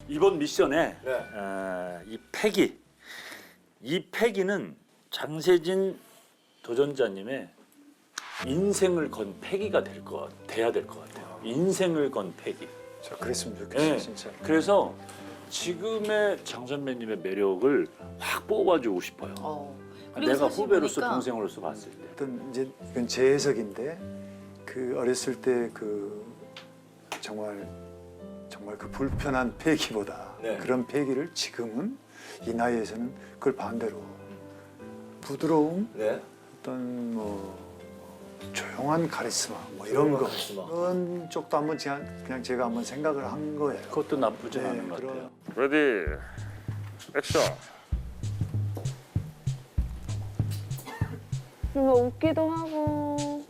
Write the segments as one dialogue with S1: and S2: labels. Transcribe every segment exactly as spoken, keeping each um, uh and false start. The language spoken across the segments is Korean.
S1: 이번 미션에
S2: 네.
S1: 어, 이 패기, 이 패기는 장세진 도전자님의 인생을 건 패기가 될 것, 돼야 될 것 같아요. 인생을 건 패기.
S3: 저 그랬으면 좋겠어요,
S1: 네.
S3: 진짜.
S1: 그래서 지금의 장 선배님의 매력을 확 뽑아주고 싶어요.
S4: 어. 그리고
S1: 내가
S4: 사실
S1: 후배로서
S4: 보니까
S1: 동생으로서 봤을 때.
S3: 어떤 이제 이건 제 해석인데 그 어렸을 때 그 정말 정말 그 불편한 패기보다
S2: 네.
S3: 그런 패기를 지금은 이 나이에서는 그걸 반대로 부드러움,
S2: 네.
S3: 어떤 뭐 조용한 카리스마 뭐 이런 거
S2: 카리스마.
S3: 그런 쪽도 한번 그냥, 그냥 제가 한번 생각을 한 거예요.
S1: 그것도 나쁘지
S3: 네,
S1: 않은 것
S3: 그런-
S1: 같아요.
S5: 레디 액션.
S6: 뭔가 웃기도 하고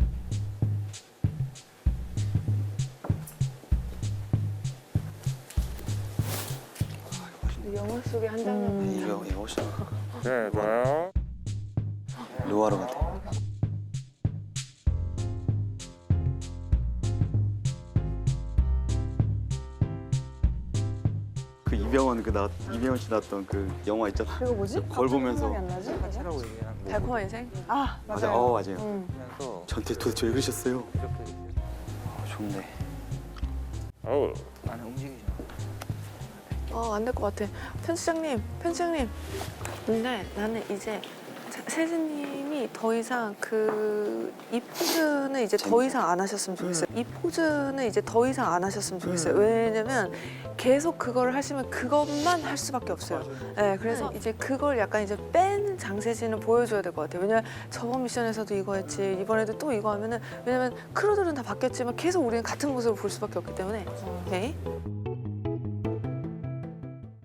S6: 영화 속의 한 장면
S7: 이거 이거 훨씬
S5: 네, 좋아요.
S7: 루아르 같아. 그 이병헌 그 나 이병헌 씨 나왔던 그 영화 있잖아.
S6: 이거 뭐지?
S7: 걸 보면서
S6: 생각이 안 나지?
S8: 하라고 얘기한 거
S6: 달콤한 인생? 아
S7: 맞아,
S6: 맞아요.
S7: 어 맞아요.
S6: 응.
S8: 보면서
S7: 전태 도대체 왜 그러셨어요?
S8: 이렇게
S7: 어, 좋네.
S5: 어우.
S8: 나는 움직이지 마.
S6: 어, 안 될 것 같아. 편집장님, 편집장님. 근데 나는 이제 자- 세진님이 더 이상 그 이 포즈는 이제 더
S7: 재밌어.
S6: 이상 안 하셨으면 좋겠어요. 이 포즈는 이제 더 이상 안 하셨으면 좋겠어요. 왜냐면 계속 그걸 하시면 그것만 할 수밖에 없어요. 네, 그래서 이제 그걸 약간 이제 뺀 장세진을 보여줘야 될 것 같아요. 왜냐면 저번 미션에서도 이거 했지, 이번에도 또 이거 하면은 왜냐면 크루들은 다 바뀌었지만 계속 우리는 같은 모습을 볼 수밖에 없기 때문에. 오케이.